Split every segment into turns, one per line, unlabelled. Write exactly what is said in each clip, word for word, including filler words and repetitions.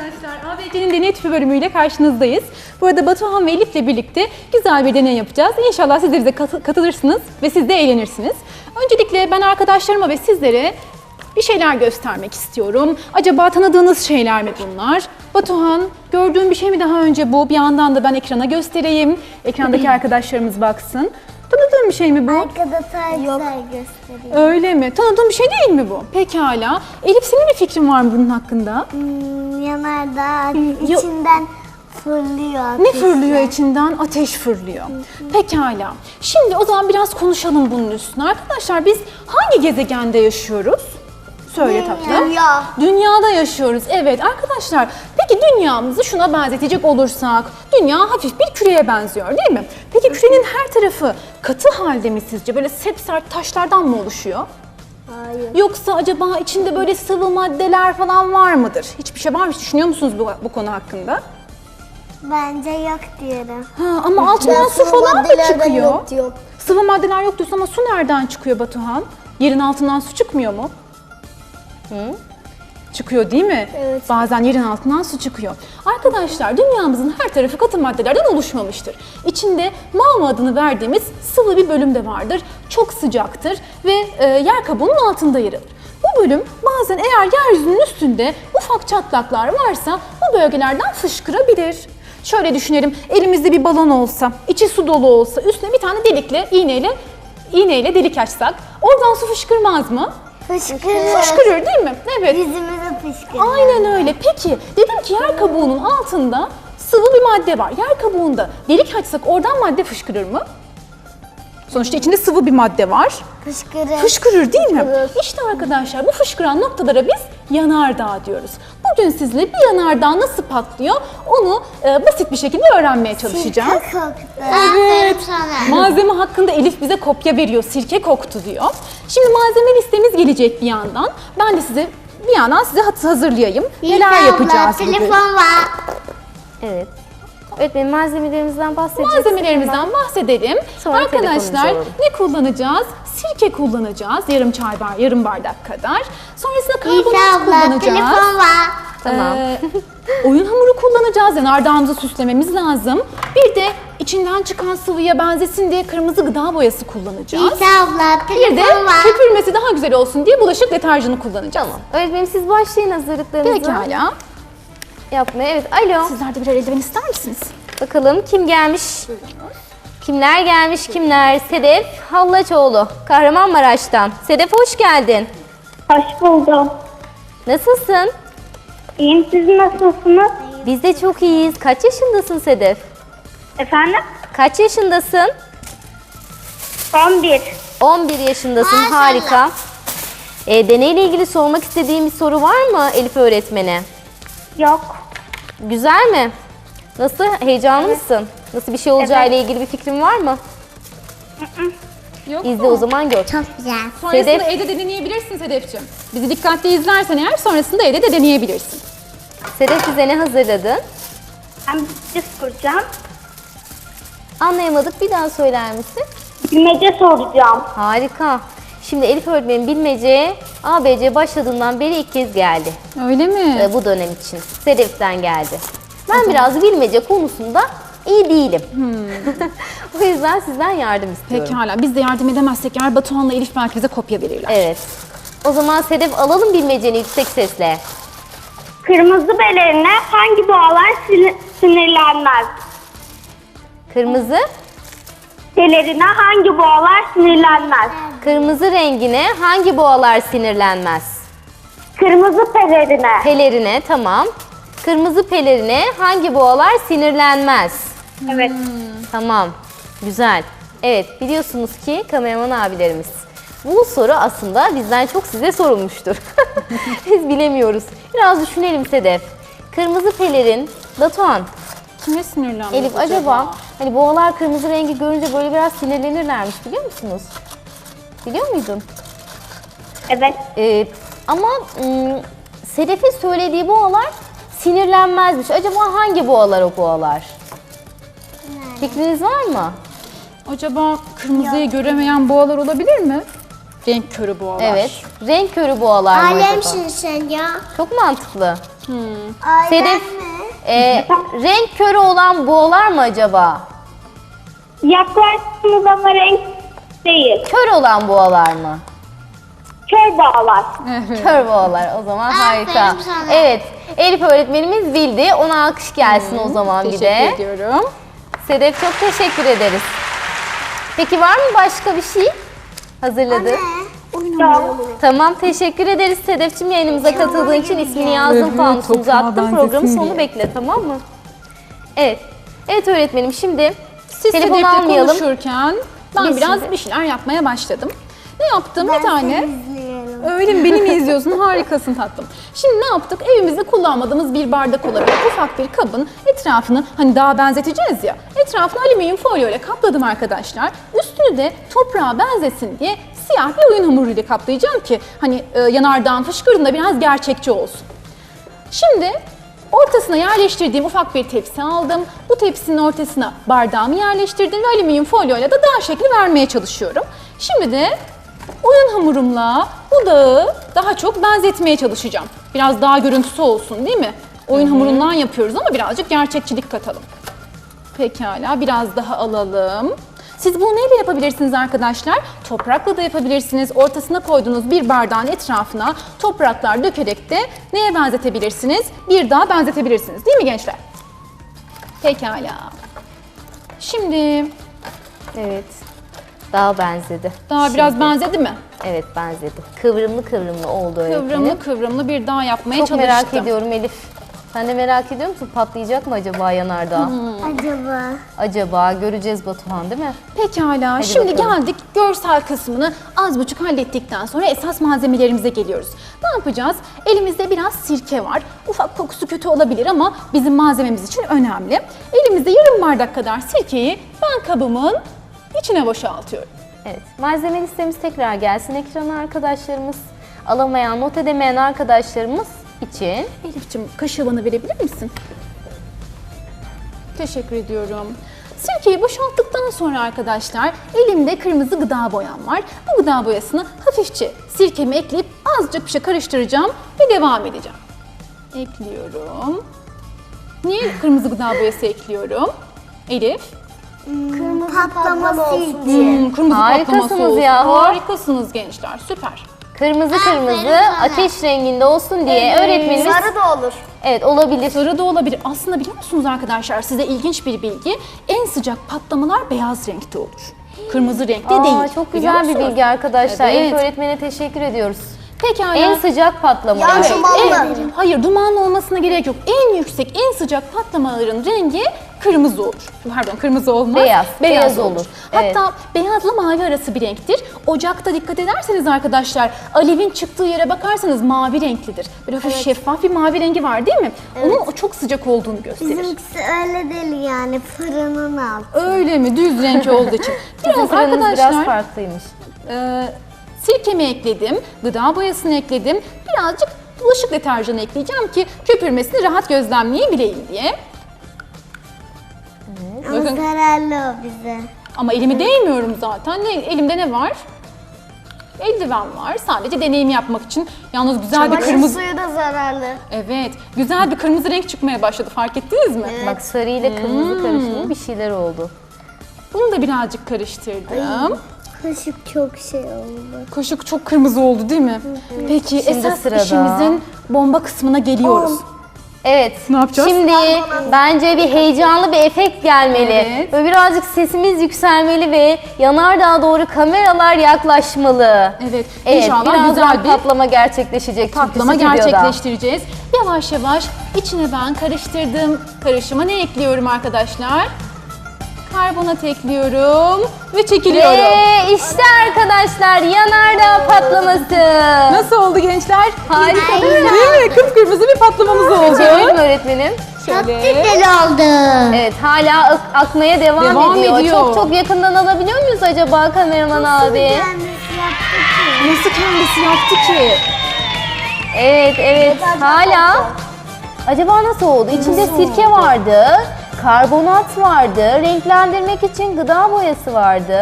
Arkadaşlar A B C'nin deney tüpü bölümüyle karşınızdayız. Burada Batuhan ve Elif'le birlikte güzel bir deney yapacağız. İnşallah siz de bize katılırsınız ve siz de eğlenirsiniz. Öncelikle ben arkadaşlarıma ve sizlere bir şeyler göstermek istiyorum. Acaba tanıdığınız şeyler mi bunlar? Batuhan, gördüğün bir şey mi daha önce bu? Bir yandan da ben ekrana göstereyim. Ekrandaki arkadaşlarımız baksın. Tanıdığın bir şey mi bu?
Arkada tarihler gösteriyor.
Öyle mi? Tanıdığın bir şey değil mi bu? Pekala. Elif, senin bir fikrin var mı bunun hakkında?
Hmm, yanardağ içinden fırlıyor.
Ne fırlıyor içinden? Ateş fırlıyor. Pekala. Şimdi o zaman biraz konuşalım bunun üstüne. Arkadaşlar biz hangi gezegende yaşıyoruz? Söyle tatlım.
Dünya.
Dünyada yaşıyoruz. Evet arkadaşlar. Peki dünyamızı şuna benzetecek olursak, dünya hafif bir küreye benziyor değil mi? Peki kürenin her tarafı katı halde mi sizce? Böyle sepsert taşlardan mı oluşuyor?
Hayır.
Yoksa acaba içinde böyle sıvı maddeler falan var mıdır? Hiçbir şey var mı? Hiç düşünüyor musunuz bu, bu konu hakkında?
Bence yok diyorum.
Ha, ama altından
Ya,
su
sıvı
falan da
maddelerden
çıkıyor.
yok diyor.
Sıvı maddeler yok diyorsun ama su nereden çıkıyor Batuhan? Yerin altından su çıkmıyor mu? Hı? Çıkıyor değil mi?
Evet.
Bazen yerin altından su çıkıyor. Arkadaşlar dünyamızın her tarafı katı maddelerden oluşmamıştır. İçinde magma adını verdiğimiz sıvı bir bölüm de vardır. Çok sıcaktır ve e, yer kabuğunun altında yer alır. Bu bölüm bazen eğer yeryüzünün üstünde ufak çatlaklar varsa bu bölgelerden fışkırabilir. Şöyle düşünelim, elimizde bir balon olsa, içi su dolu olsa, üstüne bir tane delikle, iğneyle, iğneyle delik açsak, oradan su fışkırmaz mı?
Fışkırıyor.
Fışkırır değil mi? Evet.
Yüzümüze fışkırıyor.
Aynen öyle. Peki dedim ki yer kabuğunun altında sıvı bir madde var. Yer kabuğunda delik açsak oradan madde fışkırır mı? Sonuçta içinde sıvı bir madde var.
Fışkırır.
Fışkırır değil mi?
Fışkırır.
İşte arkadaşlar bu fışkıran noktalara biz yanardağ diyoruz. Bugün sizinle bir yanardağ nasıl patlıyor onu e, basit bir şekilde öğrenmeye çalışacağız.
Sirke koktu.
Evet. Malzeme hakkında Elif bize kopya veriyor. Sirke koktu diyor. Şimdi malzeme listemiz gelecek bir yandan. Ben de size bir yandan size hazırlayayım. Neler yapacağız bugün?
Telefon var.
Evet. Öğretmenim malzemelerimizden bahsedeceğiz.
Malzemelerimizden bahsedelim.
Sonra
Arkadaşlar
telefonumuzu
ne kullanacağız? Sirke kullanacağız. Yarım çay bar, yarım bardak kadar. Sonrasında karbonat
İsa abla
kullanacağız.
telefon var.
Tamam.
Ee, oyun hamuru kullanacağız. Yani ardağımızı süslememiz lazım. Bir de içinden çıkan sıvıya benzesin diye kırmızı gıda boyası kullanacağız.
İsa abla
Bir de
telefon var.
köpürmesi daha güzel olsun diye bulaşık deterjanı kullanacağız.
Tamam. Öğretmenim siz başlayın hazırlıklarınızı
Pekala.
yapmaya. Evet, alo.
Sizler de birer eldiven ister misiniz?
Bakalım kim gelmiş? Kimler gelmiş kimler? Sedef Hallaçoğlu, Kahramanmaraş'tan. Sedef hoş geldin.
Hoş buldum.
Nasılsın?
İyiyim, siz nasılsınız?
Biz de çok iyiyiz. Kaç yaşındasın Sedef?
Efendim?
Kaç yaşındasın?
on bir.
on bir yaşındasın.
Maşallah.
Harika. E, deneyle ilgili sormak istediğim bir soru var mı Elif öğretmene?
Yok.
Güzel mi? Nasıl? Heyecanlı mısın? Nasıl bir şey olacağıyla ilgili bir fikrin var mı?
Yok
İzle o zaman gör.
Çok güzel.
Sonrasında
Sedef-
evde de deneyebilirsin Sedef'ciğim. Bizi dikkatli izlersen eğer sonrasında evde de deneyebilirsin.
Sedef bize ne hazırladın?
Ben bilmece soracağım.
Anlayamadık. Bir daha söyler misin?
Bilmece soracağım.
Harika. Şimdi Elif öğretmenin bilmeceye A B C başladığından beri ilk kez geldi.
Öyle mi?
Ee, bu dönem için. Sedef'ten geldi. Ben biraz bilmece konusunda iyi değilim. O yüzden sizden yardım istiyorum.
Pekala. Biz de yardım edemezsek eğer Batuhan'la Elif belki bize kopya verirler.
Evet. O zaman Sedef alalım bilmeceni yüksek sesle.
Kırmızı belerine hangi boğalar sin- sinirlenmez?
Kırmızı,
Belerine hangi boğalar sinirlenmez?
kırmızı rengine hangi boğalar sinirlenmez?
Kırmızı pelerine.
Pelerine, tamam. Kırmızı pelerine hangi boğalar sinirlenmez?
Evet.
Tamam, güzel. Evet, biliyorsunuz ki kameraman abilerimiz. Bu soru aslında bizden çok size sorulmuştur. Biz bilemiyoruz. Biraz düşünelim Sedef. Kırmızı pelerin, Batuhan,
Kime sinirlenmiş
Elif acaba hani boğalar kırmızı rengi görünce böyle biraz sinirlenirlermiş biliyor musunuz? Biliyor muydun?
Evet.
Ee, ama ım, Sedef'in söylediği boğalar sinirlenmezmiş. Acaba hangi boğalar o boğalar? Fikriniz var mı?
Acaba kırmızıyı göremeyen boğalar olabilir mi? Renk körü boğalar.
Evet. Renk körü boğalar mı acaba?
Alemsin sen ya.
Çok mantıklı.
Aynen
Sedef,
mi?
e, renk körü olan boğalar mı acaba?
Yaklaştınız ama renk değil.
Kör olan boğalar mı?
Kör boğalar.
Evet.
Kör boğalar, o zaman
Aferin
harika.
sana.
Evet, Elif öğretmenimiz bildi. Ona alkış gelsin o zaman bir
Teşekkür
de.
ediyorum.
Sedef, çok teşekkür ederiz. Peki var mı başka bir şey hazırladın?
Yok.
Tamam, teşekkür ederiz Sedef'ciğim, yayınımıza katıldığın için ismini yazdım,
Evet,
fanusumuza
toprağa
attım.
benzesin
Programın
diye.
sonunu bekle, tamam mı? Evet. Evet öğretmenim, şimdi
Siz
telefonu
Sedef'le
almayalım.
konuşurken ben
Biz
biraz
şimdi-
bir şeyler yapmaya başladım. Ne yaptım?
Ben
bir tane.
seni izliyorum.
Öyle mi? Beni mi izliyorsun? Harikasın tatlım. Şimdi ne yaptık? Evimizde kullanmadığımız bir bardak olabilir. Ufak bir kabın etrafını hani daha benzeteceğiz ya. Etrafını alüminyum folyo ile kapladım arkadaşlar. Üstünü de toprağa benzesin diye siyah bir oyun hamuruyla kaplayacağım ki hani e, yanardağın fışkırdığında biraz gerçekçi olsun. Şimdi ortasına yerleştirdiğim ufak bir tepsi aldım. Bu tepsinin ortasına bardağımı yerleştirdim ve alüminyum folyoyla da dağ şekli vermeye çalışıyorum. Şimdi de oyun hamurumla bu dağı daha çok benzetmeye çalışacağım. Biraz daha görüntüsü olsun değil mi? Oyun hamurundan yapıyoruz ama birazcık gerçekçilik katalım. Pekala, biraz daha alalım. Siz bunu neyle yapabilirsiniz arkadaşlar? Toprakla da yapabilirsiniz. Ortasına koyduğunuz bir bardağın etrafına topraklar dökerek de neye benzetebilirsiniz? Bir dağa benzetebilirsiniz. Değil mi gençler? Pekala. Şimdi
Evet. Daha benzedi.
daha
Şimdi.
biraz benzedi mi?
Evet, benzedi. Kıvrımlı kıvrımlı oldu öğretmenim.
Kıvrımlı kıvrımlı bir dağ yapmaya
Çok
çalıştım.
merak ediyorum Elif. Sen de merak ediyor musun? Patlayacak mı acaba yanardağ?
Acaba?
Acaba göreceğiz Batuhan, değil mi?
Pekala. Şimdi
bakalım.
geldik görsel kısmını az buçuk hallettikten sonra esas malzemelerimize geliyoruz. Ne yapacağız? Elimizde biraz sirke var. Ufak kokusu kötü olabilir ama bizim malzememiz için önemli. Elimizde yarım bardak kadar sirkeyi ben kabımın içine boşaltıyorum.
Evet. Malzeme listemiz tekrar gelsin ekrana arkadaşlarımız. Alamayan, not edemeyen arkadaşlarımız için.
Elif'ciğim kaşığı bana verebilir misin? Teşekkür ediyorum. Sirkeyi boşalttıktan sonra arkadaşlar elimde kırmızı gıda boyam var. Bu gıda boyasını hafifçe sirkemi ekleyip azıcık bir şey karıştıracağım ve devam edeceğim. Ekliyorum. Niye kırmızı gıda boyası ekliyorum? Elif.
Kırmızı patlaması için.
Hmm, kırmızı
Harikasınız
patlaması olsun.
yahu.
Harikasınız gençler. Süper.
Kırmızı
Aferin
kırmızı
sana.
ateş renginde olsun diye öğretmenimiz...
Sarı da olur.
Evet, olabilir.
Sarı da olabilir. Aslında biliyor musunuz arkadaşlar, size ilginç bir bilgi. En sıcak patlamalar beyaz renkte olur. Kırmızı renkte
Aa,
değil.
çok
Biliyor
güzel bir
musunuz?
bilgi arkadaşlar.
Evet.
Elif öğretmene teşekkür ediyoruz.
Pekala.
En sıcak patlama.
Ya
Evet.
şu dumanlı.
En- hayır, dumanlı olmasına gerek yok. En yüksek, en sıcak patlamaların rengi kırmızı olur. Pardon, kırmızı olmaz.
Beyaz,
Beyaz,
beyaz
olur.
olur.
Hatta beyazla mavi arası bir renktir. Ocakta dikkat ederseniz arkadaşlar, alevin çıktığı yere bakarsanız mavi renklidir. Böyle hafif şeffaf bir mavi rengi var değil mi? Onun o çok sıcak olduğunu gösterir.
Bizimkisi öyle değil yani fırının altı.
Öyle mi? Düz renk olduğu için.
Bizim
Biraz
fırınımız
arkadaşlar
biraz farklıymış.
e, sirkemi ekledim, gıda boyasını ekledim. Birazcık bulaşık deterjanı ekleyeceğim ki köpürmesini rahat gözlemleyebileyim diye.
Ama
Bakın.
zararlı o bize.
Ama elimi değmiyorum zaten. Ne, elimde ne var? Eldiven var. Sadece deneyim yapmak için. Yalnız güzel bir kırmızı...
suyu da zararlı.
Evet, güzel bir kırmızı renk çıkmaya başladı. Fark ettiniz mi?
Bak, sarı ile
Hmm.
kırmızı karışımı bir şeyler oldu.
Bunu da birazcık karıştırdım.
Kaşık çok şey oldu.
Kaşık çok kırmızı oldu değil mi? Peki
Şimdi
esas
sırada.
işimizin bomba kısmına geliyoruz.
Evet.
Ne yapacağız?
Şimdi bence bir heyecanlı bir efekt gelmeli.
Evet.
Böyle birazcık sesimiz yükselmeli ve yanardağa doğru kameralar yaklaşmalı.
Evet,
Evet,
inşallah
birazdan
güzel bir
patlama gerçekleşecek. çünkü
patlama
stüdyoda.
gerçekleştireceğiz. Yavaş yavaş içine ben karıştırdım. Karışıma ne ekliyorum arkadaşlar? Karbonat ekliyorum ve çekiliyorum.
Ve işte arkadaşlar yanardağ patlaması.
Nasıl oldu gençler?
Harika.
Değil mi? Kıpkırmızı bir patlamamız oldu.
Çevirelim öğretmenim.
Şöyle.
Güzel oldu.
Evet, hala ak- akmaya devam,
Devam
ediyor.
ediyor.
Çok çok yakından alabiliyor muyuz acaba kameraman abi?
Kendisi yaptı ki.
Nasıl kendisi yaptı ki?
Evet, evet. Hala. Acaba nasıl oldu? İçinde sirke vardı, karbonat vardı, renklendirmek için gıda boyası vardı.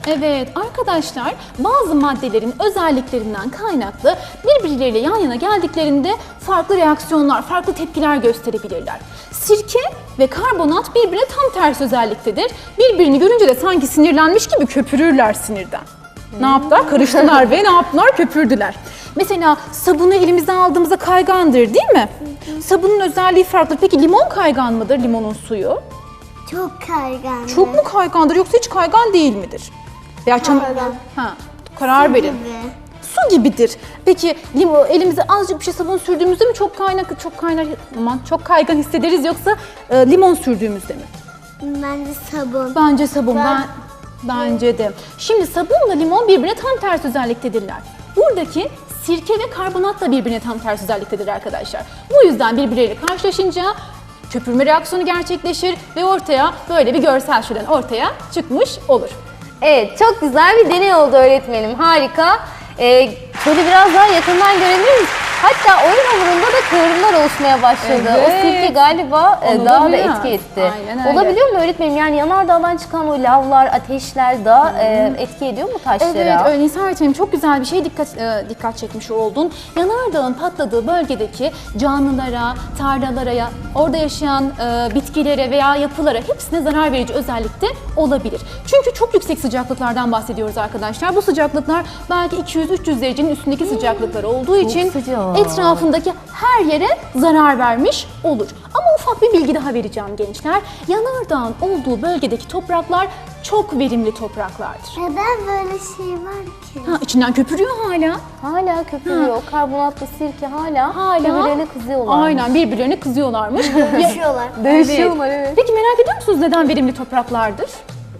Evet arkadaşlar, bazı maddelerin özelliklerinden kaynaklı birbirleriyle yan yana geldiklerinde farklı reaksiyonlar, farklı tepkiler gösterebilirler. Sirke ve karbonat birbirine tam ters özelliktedir. Birbirini görünce de sanki sinirlenmiş gibi köpürürler sinirden. Ne yaptılar? Karıştılar ve ne yaptılar? Köpürdüler. Mesela sabunu elimize aldığımızda kaygandır değil mi? Sabunun özelliği farklı. Peki limon kaygan mıdır, limonun suyu?
Çok kaygan.
Çok mu kaygandır yoksa hiç kaygan değil midir? Veya çam-
Kaygan.
Ha, karar verin.
Gibi.
Su gibidir. Peki limon elimize azıcık bir şey sabun sürdüğümüzde mi çok kaynak çok kaynar aman çok kaygan hissederiz yoksa e, limon sürdüğümüzde mi?
Bence sabun.
Bence sabun. Ben,
Ben-
bence de. Şimdi sabunla limon birbirine tam ters özelliktedirler. Buradaki sirke ve karbonat da birbirine tam ters özelliktedir arkadaşlar. Bu yüzden birbirleriyle karşılaşınca köpürme reaksiyonu gerçekleşir ve ortaya böyle bir görsel şölen ortaya çıkmış olur.
Evet, çok güzel bir deney oldu öğretmenim. Harika. Ee, şöyle biraz daha yakından görebilir miyiz? Hatta oyun hamurunda da kıvırımlar oluşmaya başladı. O
Evet.
sirke galiba e,
Onu
daha
da
da
biraz.
etki etti.
Aynen öyle.
Olabiliyor mu öğretmenim? Yani yanardağdan çıkan o lavlar, ateşler daha e, etki ediyor mu taşlara?
Evet, öyle Nisa öğretmenim çok güzel bir şeye dikkat e, dikkat çekmiş oldun. Yanardağın patladığı bölgedeki canlılara, tarlalara, ya- orada yaşayan e, bitkilere veya yapılara hepsine zarar verici özellikte olabilir. Çünkü çok yüksek sıcaklıklardan bahsediyoruz arkadaşlar. Bu sıcaklıklar belki iki yüz üç yüz derecenin üstündeki sıcaklıklar olduğu için
sıcak.
etrafındaki her yere zarar vermiş olur. Ama ufak bir bilgi daha vereceğim gençler. Yanardağın olduğu bölgedeki topraklar çok verimli topraklardır.
Neden böyle şey var ki?
Ha, içinden köpürüyor hala.
Hala köpürüyor. Karbonatlı sirke hala,
Hala.
birbirlerine kızıyorlar.
Aynen birbirlerine kızıyorlarmış.
Yaşıyorlar.
Dövüşüyorlar, evet.
Peki merak ediyor musunuz neden verimli topraklardır?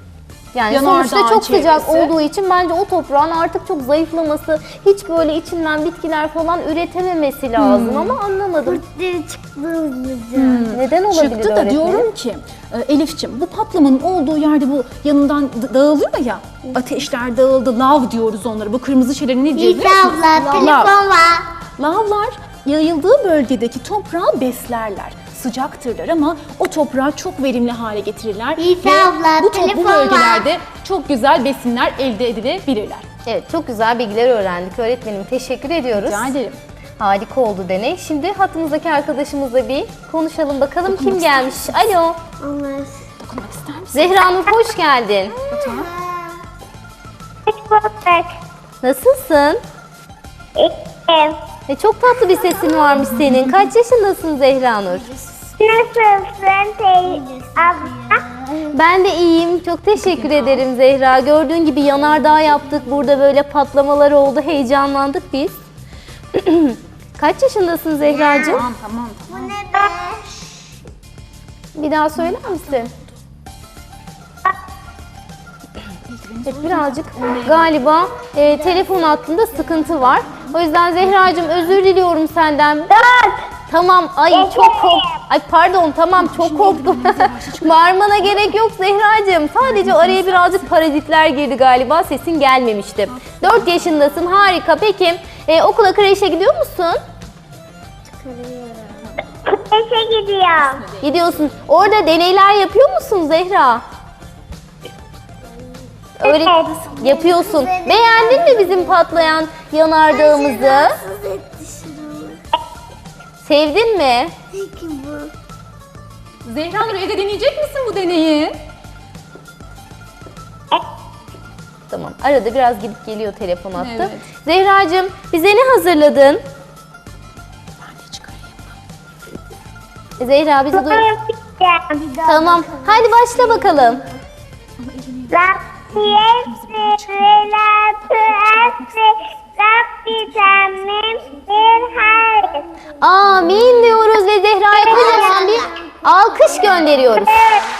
Yani
Yanardağın
sonuçta çok sıcak
çevresi.
olduğu için bence o toprağın artık çok zayıflaması, hiç böyle içinden bitkiler falan üretememesi lazım
Hmm.
ama anlamadım.
Kurtları çıktı hızlıca.
Neden olabilir
Çıktı da
öğretmenim?
diyorum ki e, Elif'ciğim bu patlamanın olduğu yerde bu yanından d- dağılıyor ya. Ateşler dağıldı, lav diyoruz onlara. Bu kırmızı şeyleri ne diyoruz?
Nisa
biliyor musunuz?
abla
Lav.
telefon var.
Lavlar yayıldığı bölgedeki toprağı beslerler. Sıcaktırlar ama o toprağı çok verimli hale getirirler.
Nisa
Ve
abla,
bu, to-
telefon
bu
var.
bölgelerde çok güzel besinler elde edilebilirler.
Evet, çok güzel bilgiler öğrendik öğretmenim. Teşekkür ediyoruz.
Rica ederim.
Harika oldu deney. Şimdi hattımızdaki arkadaşımızla bir konuşalım bakalım kim
Dokunmak
gelmiş. Alo.
Onlar.
Dokunmak ister misin?
Zehra Nur hoş geldin.
Hiç bulduk.
Nasılsın?
İyiyim.
E, çok tatlı bir sesin varmış senin. Kaç yaşındasın Zehra Nur?
Nasılsın teyze abla?
Ben de iyiyim. Çok teşekkür ederim Zehra. Gördüğün gibi yanardağ yaptık. Burada böyle patlamalar oldu. Heyecanlandık biz. Kaç yaşındasın Zehracığım?
Tamam tamam.
Bu ne be?
Bir daha söyler misin? Evet, birazcık galiba e, telefon hattında sıkıntı var. O yüzden Zehracığım özür diliyorum senden. Tamam, ay çok kork. Ay pardon, tamam çok korktum. Bağırmana gerek yok Zehracığım. Sadece araya birazcık parazitler girdi galiba. Sesin gelmemişti. dört yaşındasın, harika. Peki e, okula, kreşe gidiyor musun?
Kreşe gidiyorum.
Gidiyorsun. Orada deneyler yapıyor musun Zehra? Öyle
Evet.
yapıyorsun. Beğendin mi bizim patlayan yanardağımızı?
Rahatsız etti şunu.
Sevdin mi?
Peki bu.
Zehra Nur evde deneyecek misin bu deneyi?
Tamam. Arada biraz gidip geliyor telefon hattı.
Evet.
Zehracığım bize ne hazırladın?
Ben de çıkarayım.
Zehra bizi duy.
Yapacağım.
Tamam. Hadi başla bakalım.
Rabbi esri ve la tuesri. Rabbi temmim bir hayır.
Amin diyoruz ve Zehra'ya kocaman bir alkış gönderiyoruz.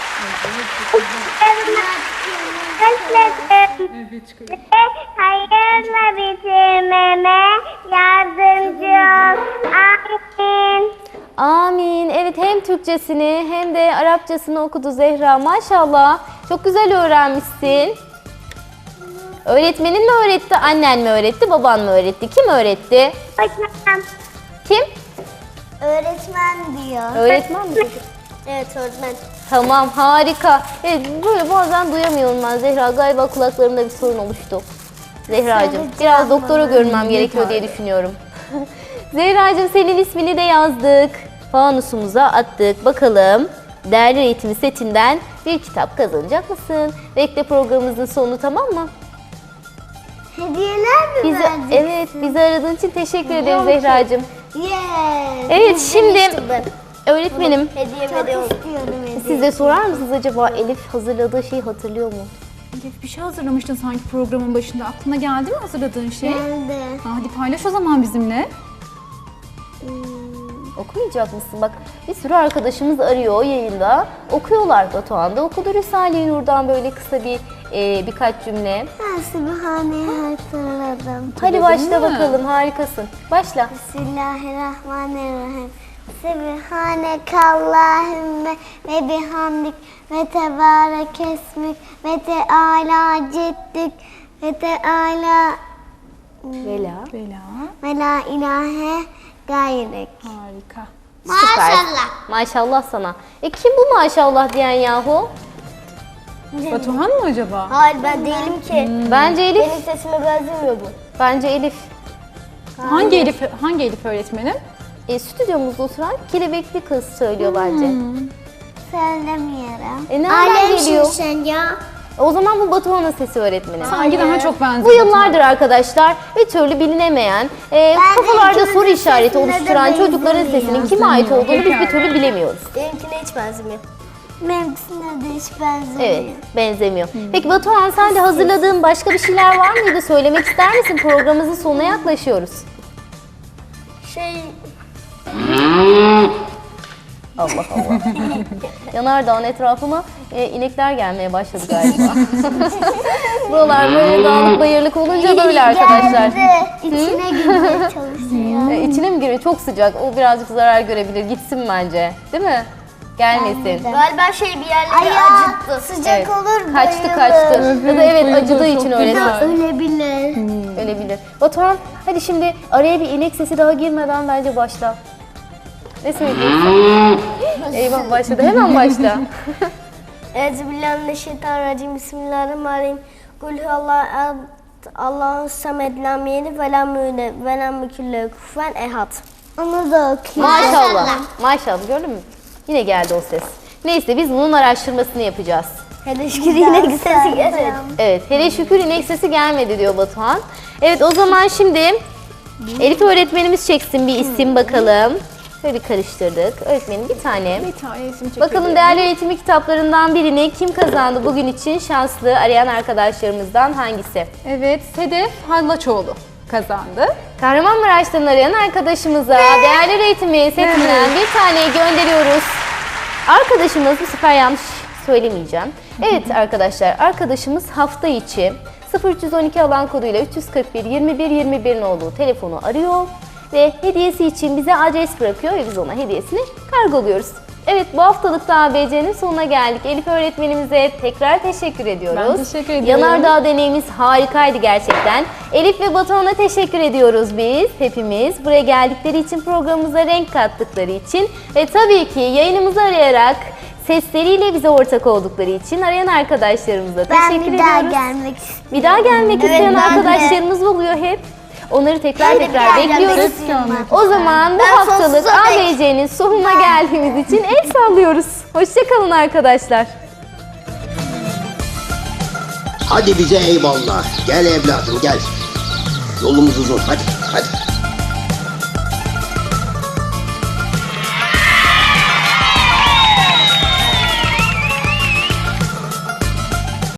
Hayırla bitirmeme yardımcı ol. Amin.
Amin. Evet, hem Türkçesini hem de Arapçasını okudu Zehra. Maşallah. Çok güzel öğrenmişsin. Öğretmenin mi öğretti, annen mi öğretti, baban mı öğretti? Kim öğretti?
Hocam.
Kim?
Öğretmen diyor.
Öğretmen mi?
Evet öğretmen.
Tamam, harika. Evet, böyle bazen duyamıyorum ben Zehra. Galiba kulaklarımda bir sorun oluştu. Zehracığım, biraz doktora görünmem gerekiyor diye düşünüyorum. Zehracığım, senin ismini de yazdık. Fanusumuza attık. Bakalım değerli eğitimi setinden bir kitap kazanacak mısın? Bekle programımızın sonu, tamam mı?
Hediyeler mi
Bizi,
verdin?
evet, bizi aradığın için teşekkür ederim
Biliyorum ki.
Zehracığım.
Yes.
Evet, şimdi
Demiştim ben.
öğretmenim,
Hediye Çok istiyordum hediye.
siz de sorar mısınız acaba Elif hazırladığı şeyi hatırlıyor mu?
Elif, bir şey hazırlamıştın sanki programın başında. Aklına geldi mi hazırladığın şey?
Geldi.
Ha, hadi paylaş o zaman bizimle.
Okumayacak mısın? Bak, bir sürü arkadaşımız arıyor yayında. Okuyorlar. Batuhan da okudu Risale-i Nur'dan böyle kısa bir e, birkaç cümle.
Ben Sübhane'yi hatırladım.
Hadi başla
mi?
bakalım, harikasın. Başla.
Bismillahirrahmanirrahim. Sübhanekallahümme ve bihamdik ve tebarek esmik ve teala ceddik ve teala
Bela.
Bela.
ve la ilahe gayrek.
Harika.
Süper. Maşallah sana. E kim bu maşallah diyen yahu?
Batuhan mı acaba?
Hayır ben değilim ki.
Bence Elif.
Benim sesime benzemiyor bu.
Bence Elif.
Hangi Elif, hangi Elif öğretmenim?
E, stüdyomuzda oturan kelebekli kız söylüyor bence.
Söylemiyorum.
E, nereden geliyor?
sen ya.
O zaman bu Batuhan'ın sesi öğretmeni.
Sanki daha çok benziyor.
Bu yıllardır arkadaşlar bir türlü bilinemeyen, e, kafalarda soru işareti oluşturan çocukların sesinin kime ait olduğunu biz bir türlü bilemiyoruz.
Benimkine hiç benzemiyor. Benimkisine de hiç benzemiyor.
Evet, benzemiyor. Peki Batuhan, sen de hazırladığın başka bir şeyler var mıydı? Söylemek ister misin? Programımızın sonuna yaklaşıyoruz.
Şey...
Allah Allah. Yanardağ'ın etrafına e, inekler gelmeye başladı galiba. Buralar böyle dağlık bayırlık olunca böyle arkadaşlar.
Geldi. İçine girmeye çalışıyor.
E, içine mi giriyor? Çok sıcak. O birazcık zarar görebilir. Gitsin bence. Değil mi? Gelmesin.
Galiba şey bir yerleri acıttı. Sıcak
Evet.
olur
Kaçtı
bayılır.
kaçtı. Ya da evet,
bayılır,
acıdığı
çok
için öyle.
güzel.
Ölebilir.
Ölebilir. Batuhan, hadi şimdi araya bir inek sesi daha girmeden bence başla. Ne söyleyeceksin? Eyvah, başladı. Hemen başla.
Euzubillahimineşşeytanirracim. Bismillahirrahmanirrahim. Kul huvallahu Allahu samed lam yelid ve lam yulad ve lam yekun lehu kufuven ehad. Onu da okuyayım.
Maşallah. Maşallah, gördün mü? Yine geldi o ses. Neyse, biz bunun araştırmasını yapacağız.
Hele şükür yine sesi gelmedi.
Evet, hele şükür inek sesi gelmedi diyor Batuhan. Evet, o zaman şimdi Elif öğretmenimiz çeksin bir isim bakalım. Şöyle karıştırdık. Öğretmenim bir tane.
Bir tane isim çekelim.
Bakalım değerli öğretimi kitaplarından birini kim kazandı bugün için? Şanslı arayan arkadaşlarımızdan hangisi?
Evet, Sedef Hallaçoğlu kazandı.
Kahramanmaraş'tan arayan arkadaşımıza değerli öğretimi setinden bir tane gönderiyoruz. Arkadaşımız, bu sefer yanlış söylemeyeceğim. Evet arkadaşlar, arkadaşımız hafta içi sıfır üç on iki alan koduyla üç yüz kırk bir yirmi bir yirmi bir'in olduğu telefonu arıyor ve hediyesi için bize adres bırakıyor ve biz ona hediyesini kargoluyoruz. Evet, bu haftalık da A B C'nin sonuna geldik. Elif öğretmenimize tekrar teşekkür ediyoruz.
Ben teşekkür ediyorum.
Yanardağ deneyimiz harikaydı gerçekten. Elif ve Batuhan'a teşekkür ediyoruz biz hepimiz. Buraya geldikleri için, programımıza renk kattıkları için ve tabii ki yayınımızı arayarak sesleriyle bize ortak oldukları için arayan arkadaşlarımıza
Ben
teşekkür
bir daha
ediyoruz.
gelmek istiyorum.
Bir daha gelmek
Evet,
isteyen
ben de.
arkadaşlarımız oluyor hep. Onları tekrar
Ben de
tekrar
bir daha gelmek
bekliyoruz.
istiyorum.
O zaman bu
Ben
haftalık
sonsuza
A
dek-
B C'nin sonuna geldiğimiz için el sallıyoruz. Hoşçakalın arkadaşlar.
Hadi bize eyvallah. Gel evladım gel. Yolumuz uzun hadi hadi.